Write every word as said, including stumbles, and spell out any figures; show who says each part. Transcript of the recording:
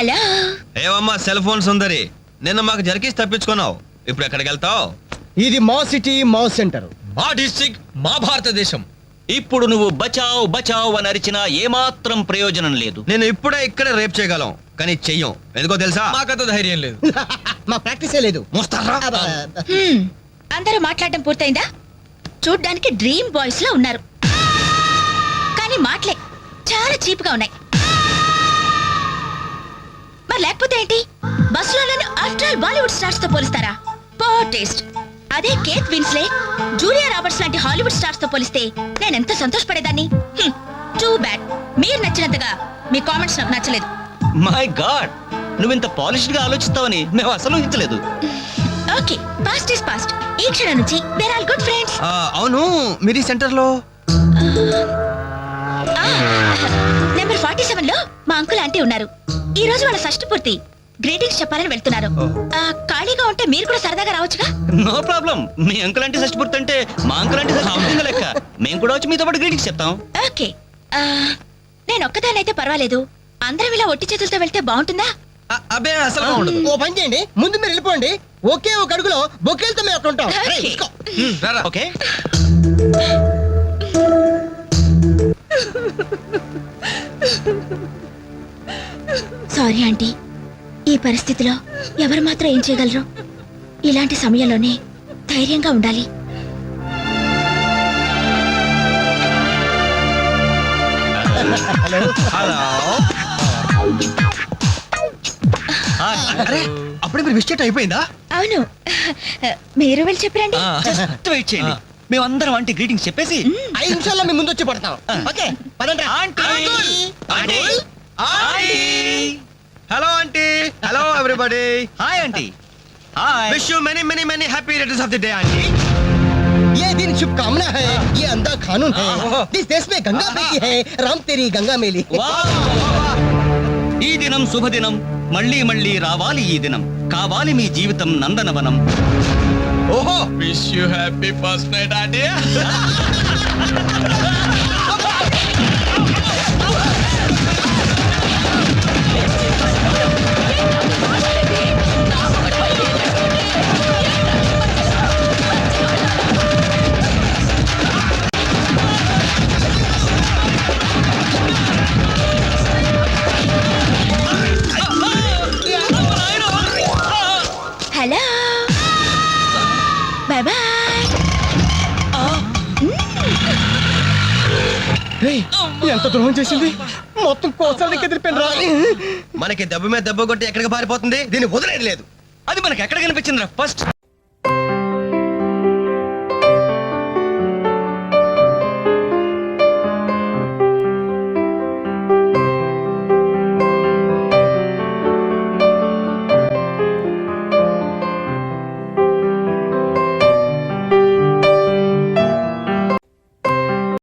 Speaker 1: Hello.
Speaker 2: ఏమమ్మా cell phone సుందరి, నిన్న మాకు జరికేసి తప్పించుకున్నావు, ఇప్పుడు ఎక్కడికి వెళ్తావు?
Speaker 3: ఇది మా సిటీ, మా సెంటర్,
Speaker 4: మా డిస్ట్రిక్ట్, మా భారతదేశం.
Speaker 5: ఇప్పుడు నువ్వు బచావ్ బచావ్ అని అరిచినా ఏమాత్రం ప్రయోజనం లేదు.
Speaker 2: నేను ఇప్పుడే ఇక్కడే రేప్ చేయగలం, కానీ చెయ్యం. ఎందుకో తెలుసా?
Speaker 4: మాకంత ధైర్యం లేదు.
Speaker 3: మా ప్రాక్టీసే లేదు.
Speaker 2: మోస్తారా?
Speaker 1: హ్మ్, అందరూ మాట్లాడడం పూర్తయిందా? చూడ్డానికి డ్రీమ్ బాయ్స్ లో ఉన్నారు, కానీ మాటలే చాలా చీప్ గా ఉన్నాయి. మరి లేకపోతే ఏంటి? బస్సులో నన్ను ఆఫ్టర్ ఆల్ బాలీవుడ్ స్టార్స్ తో పోలిస్తారా? Poor taste. అదే కేత్ విన్స్లే, జూలియా రాబర్ట్స్ లాంటి హాలీవుడ్ స్టార్స్ తో పోలిస్తే నేను ఎంత సంతోషపడేదాన్ని. టూ బ్యాడ్, మీరు నచ్చినంతగా మీ కామెంట్స్ నాకు నచ్చలేదు.
Speaker 5: మై గాడ్, నువ్వు ఇంత పాలిష్డ్ గా ఆలోచిస్తావని మేము అసలు ఊహించలేదు.
Speaker 1: Okay, past is past. ఈ క్షణం నుంచి వేర్ ఆల్ గుడ్ ఫ్రెండ్స్.
Speaker 2: ఆ, అవును, మీరు ఈ సెంటర్ లో
Speaker 1: నెంబర్ ఫార్టీ సెవెన్ లో మా అంకుల్ ఆంటీ ఉన్నారు. ఈ రోజు వాళ్ళ షష్ఠి పూర్తి, గ్రీటింగ్స్ చెప్పాలని వెళ్తున్నారు. ఆ, ఖాళీగా ఉంటే మీరు కూడా సరదాగా రావచ్చుగా.
Speaker 5: No problem. మీ అంకుల్ అంటే షష్టిపూర్తి అంటే మా అంకుల్ అంటే షష్టిపూర్తి లెక్క. మేము కూడా వచ్చి మీతో పాటు గ్రీటింగ్స్ చెప్తాం.
Speaker 1: ఓకే, ఆ, నేను ఒక్కదానైతే పర్వాలేదు. అందరం ఇలా ఒట్టి చేతులతో వెళ్తే బాగుంటుందా?
Speaker 4: అబ్బే అసలు ఉండదు.
Speaker 3: ఓ పని చేయండి, ముందు మీరు వెళ్ళిపోండి. ఒకే ఒక అడుగులో బొక్కేలతో మేము అక్కడ ఉంటాం. రేయ్,
Speaker 1: Okay.
Speaker 3: తీసుకో.
Speaker 4: రారా.
Speaker 5: ఓకే.
Speaker 1: సారీ ఆంటీ, ఈ పరిస్థితిలో ఎవరు మాత్రం ఏం చేయగలరు? ఇలాంటి సమయంలోనే ధైర్యంగా ఉండాలి.
Speaker 2: హలో.
Speaker 5: అరే,
Speaker 2: అప్పుడే మీరు విష్ అయిపోయిందా?
Speaker 1: అవును, మీరు వెళ్ళి చెప్పరండి.
Speaker 4: ఆ,
Speaker 5: జస్ట్ వెయిట్ చేయండి. మేమందరం అంటే గ్రీటింగ్స్ చెప్పేసి
Speaker 3: ఐదు నిమిషాల్లో మీ ముందు వచ్చి పడతాం. ఓకే, పదండి.
Speaker 5: Aunty, aunty, aunty.
Speaker 2: Hello aunty. Hello everybody.
Speaker 5: Hi aunty. Hi.
Speaker 2: Wish you many many many happy returns of the day aunty.
Speaker 3: ये दिन शुभकामना है, ये अंधा कानून है. इस देश में गंगा बेटी है, राम तेरी गंगा मेली.
Speaker 5: ఈ దినం శుభదినం, మళ్ళీ మళ్ళీ రావాలి ఈ దినం, కావాలి మీ జీవితం నందనవనం.
Speaker 2: ఓహో,
Speaker 4: wish you happy first night aunty.
Speaker 1: Hello, bye bye.
Speaker 3: రేయ్, ఎంత ద్రోహం చేసింది, మొత్తం కోసాలకి ఎదిరిపోయిన రా.
Speaker 2: మనకి దెబ్బ మీద దెబ్బ కొట్టి ఎక్కడికి పారిపోతుంది, దీన్ని వదిలేదు లేదు.
Speaker 5: అది మనకి ఎక్కడ కనిపించిందిరా ఫస్ట్?